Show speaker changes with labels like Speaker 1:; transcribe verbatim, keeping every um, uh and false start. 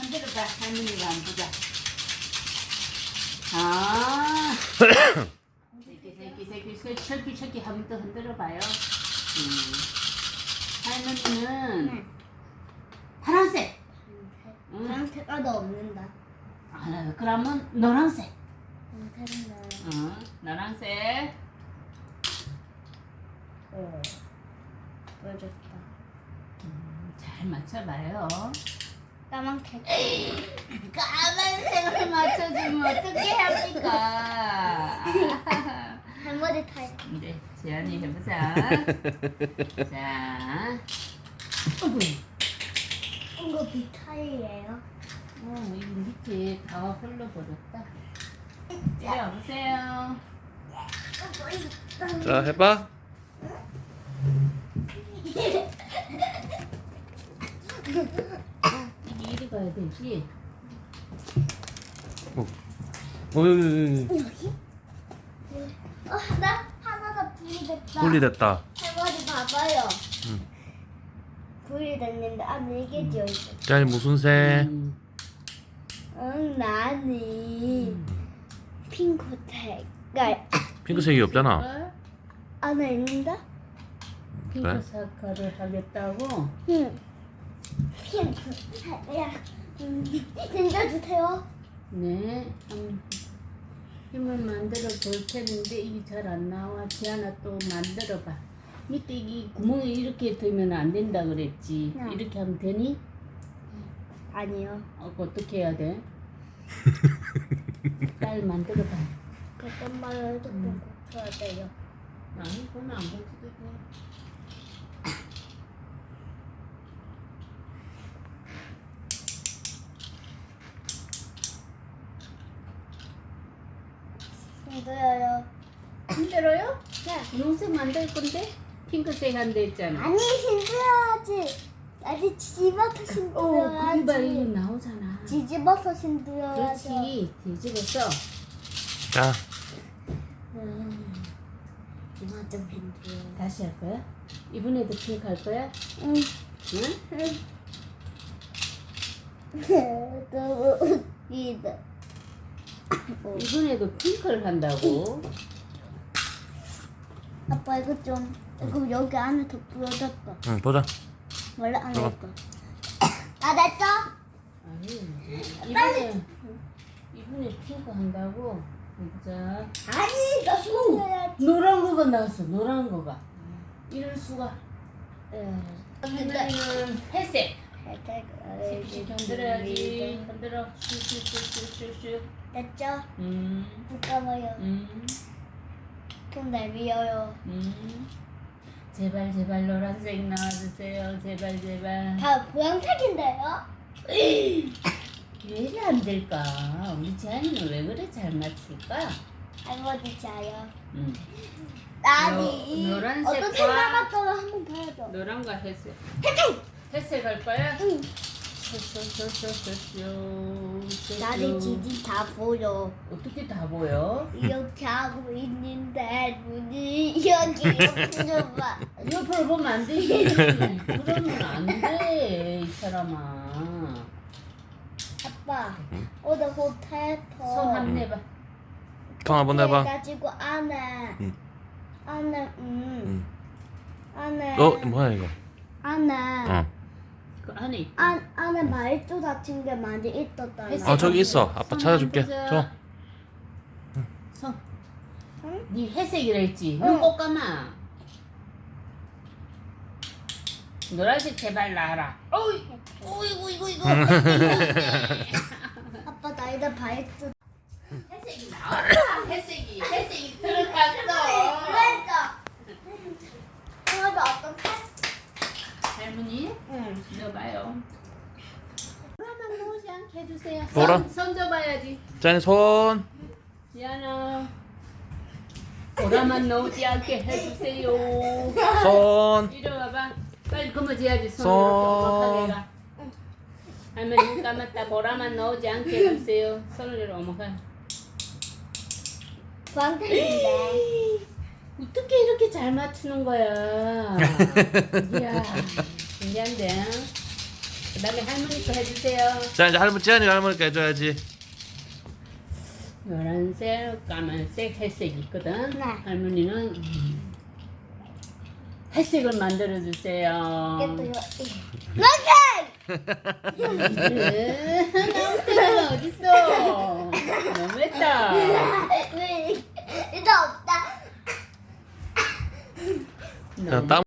Speaker 1: 흔들어봐. 할머니가 안 보자. 아. 새끼 새끼 새끼 새끼 새끼 새끼 한번 더 흔들어봐요. 음. 할머니는
Speaker 2: 네.
Speaker 1: 파란색. 응.
Speaker 2: 파란색깔 도 없는다.
Speaker 1: 아, 그러면 노란색.
Speaker 2: 파란색은
Speaker 1: 어, 노란색.
Speaker 2: 어. 보여줬다.
Speaker 1: 음, 잘 맞춰봐요.
Speaker 2: 까만색.
Speaker 1: 까만색을 맞춰주면 어떻게 합니까?
Speaker 2: 할머니 타입.
Speaker 1: 이제 재현이 해보자. 자, 어구,
Speaker 2: 이거 비타이예요.
Speaker 1: 어, 이 밑에 다 흘러버렸다. 이리 와보세요.
Speaker 3: 자, 해봐.
Speaker 1: 이게 이리 가야 되지.
Speaker 3: 어, 어, 여기, 여기, 여기.
Speaker 2: 여기? 어, 나 하나가 분리됐다.
Speaker 3: 분리됐다.
Speaker 2: 할머니 봐봐요.
Speaker 3: 응.
Speaker 2: 분리됐는데 안에 이게 들어있어.
Speaker 3: 자, 무슨 색?
Speaker 1: 음,
Speaker 2: 응, 나는 핑크색깔
Speaker 3: 핑크색이 없잖아.
Speaker 1: 어?
Speaker 2: 안에 있는데?
Speaker 1: 핑크
Speaker 3: 그래?
Speaker 1: 사과를 하겠다고?
Speaker 2: 응. 핑크색이야. 음, 진짜 주세요.
Speaker 1: 네. 음, 힘을 만들어 볼 텐데 이게 잘 안 나와. 지안아 또 만들어봐. 밑에 이 구멍이 이렇게 되면 안 된다 그랬지.
Speaker 2: 네.
Speaker 1: 이렇게 하면 되니?
Speaker 2: 아니요.
Speaker 1: 어, 그거 어떻게 해야 돼? 빨리 만들어봐.
Speaker 2: 어떤 말을 좀 고쳐야 돼요.
Speaker 1: 아니, 그건 안 고쳐도 돼.
Speaker 2: 힘들어요.
Speaker 1: 힘들어요?
Speaker 2: 네.
Speaker 1: 분홍색 만들 건데? 핑크색 한대 있잖아.
Speaker 2: 아니 힘들어야지. 아니 뒤집어서
Speaker 1: 어, 그게
Speaker 2: 힘들어야지.
Speaker 1: 바로 이거 나오잖아.
Speaker 2: 뒤집어서 힘들어야지.
Speaker 1: 그렇지. 뒤집어서.
Speaker 3: 자,
Speaker 2: 음, 이만 좀 힘들어.
Speaker 1: 다시 할 거야? 이번에도 핑크 할 거야?
Speaker 2: 응.
Speaker 1: 응?
Speaker 2: 너무 웃기다. 어.
Speaker 1: 이번에도 핑크를 한다고?
Speaker 2: 아빠 이거 좀 이거 여기 안에 더 부러졌다.
Speaker 3: 응, 보자.
Speaker 2: 원래 안
Speaker 3: 들어가.
Speaker 2: 했다. 다 됐죠?
Speaker 1: 아니, 이번에, 이번에 핑크 한다고? 자,
Speaker 2: 아니 나 손해야지.
Speaker 1: 노란 거가 나왔어, 노란 거가. 이럴 수가. 에,
Speaker 2: 근데
Speaker 1: 할머니는 회색.
Speaker 2: 혜택을
Speaker 1: 씩 흔들어야지. 흔들어. 슉슉슉슉슉슉.
Speaker 2: 됐죠?
Speaker 1: 음,
Speaker 2: 잠깐만요.
Speaker 1: 음,
Speaker 2: 좀 내밀어요.
Speaker 1: 음. 제발, 제발 노란색 나와주세요. 제발, 제발.
Speaker 2: 다 보양색인데요?
Speaker 1: 왜 이래 안 될까? 우리 재한이는 왜 그래 잘 맞출까?
Speaker 2: 할머니 자요.
Speaker 1: 음.
Speaker 2: 아니
Speaker 1: 노- 노란색과-
Speaker 2: 어떻게 나갔더라 한번 봐야죠.
Speaker 1: 노란과 회색. 회색 할 거야?
Speaker 2: 응.
Speaker 1: 쇼쇼쇼쇼쇼쇼.
Speaker 2: 나는 지지 다 보여.
Speaker 1: 어떻게 다 보여?
Speaker 2: 이렇게 하고 있는데 눈이 여기 옆으로 봐.
Speaker 1: 옆으로 보면 안 되지. 그러면 안 돼, 이 사람아.
Speaker 2: 아빠 오늘 호텔에서
Speaker 1: 손 한번 내봐.
Speaker 3: 통 한번 해봐.
Speaker 2: 가지고 안에
Speaker 3: 응.
Speaker 2: 안에 음
Speaker 3: 응.
Speaker 2: 안에
Speaker 3: 어, 뭐야 이거?
Speaker 2: 안에
Speaker 3: 어.
Speaker 1: 그 안에 있다.
Speaker 2: 안 안에 말조 같은 게 많이 있었다.
Speaker 1: 회색.
Speaker 3: 어, 저기 있어. 아빠
Speaker 1: 손
Speaker 3: 찾아줄게.
Speaker 1: 한번 보자.
Speaker 3: 줘.
Speaker 1: 손.
Speaker 2: 응?
Speaker 1: 네 회색이라 했지.
Speaker 2: 응.
Speaker 1: 눈 꼭 감아. 노란색 제발 나와라. 어이, 어이구 이거 이거.
Speaker 2: 아빠 나이다 말조.
Speaker 1: 회색이 나왔다. 회색이 회색이 들어갔어.
Speaker 2: 그러니까 그래도 어떤 탈?
Speaker 1: 할머니,
Speaker 2: 응.
Speaker 1: 넣어봐요. 보라만 나오지 않게 해주세요.
Speaker 3: 보라?
Speaker 1: 손, 손 줘봐야지.
Speaker 3: 짠, 손.
Speaker 1: 미안해. 보라만 나오지 않게 해주세요.
Speaker 3: 손.
Speaker 1: 이리 와봐. 빨리 그머지야지.
Speaker 3: 손.
Speaker 1: 손으로 이렇게 오목하게 가. 할머니 눈 감았다. 보라만 나오지 않게 해주세요. 손을 이렇게 오목하게.
Speaker 2: 광택인데.
Speaker 1: 어떻게 이렇게 잘 맞추는 거야? 이야, 신기한데? 그 다음에 할머니 거 해주세요.
Speaker 3: 자 이제 할머니 지안이가 할머니께 해줘야지.
Speaker 1: 노란색, 까만색, 회색 있거든.
Speaker 2: 네.
Speaker 1: 할머니는 음, 회색을 만들어 주세요.
Speaker 2: 이렇게
Speaker 1: 나무태가 어딨어? 너무했다.
Speaker 2: 왜 이거 없다.
Speaker 3: 자, 땀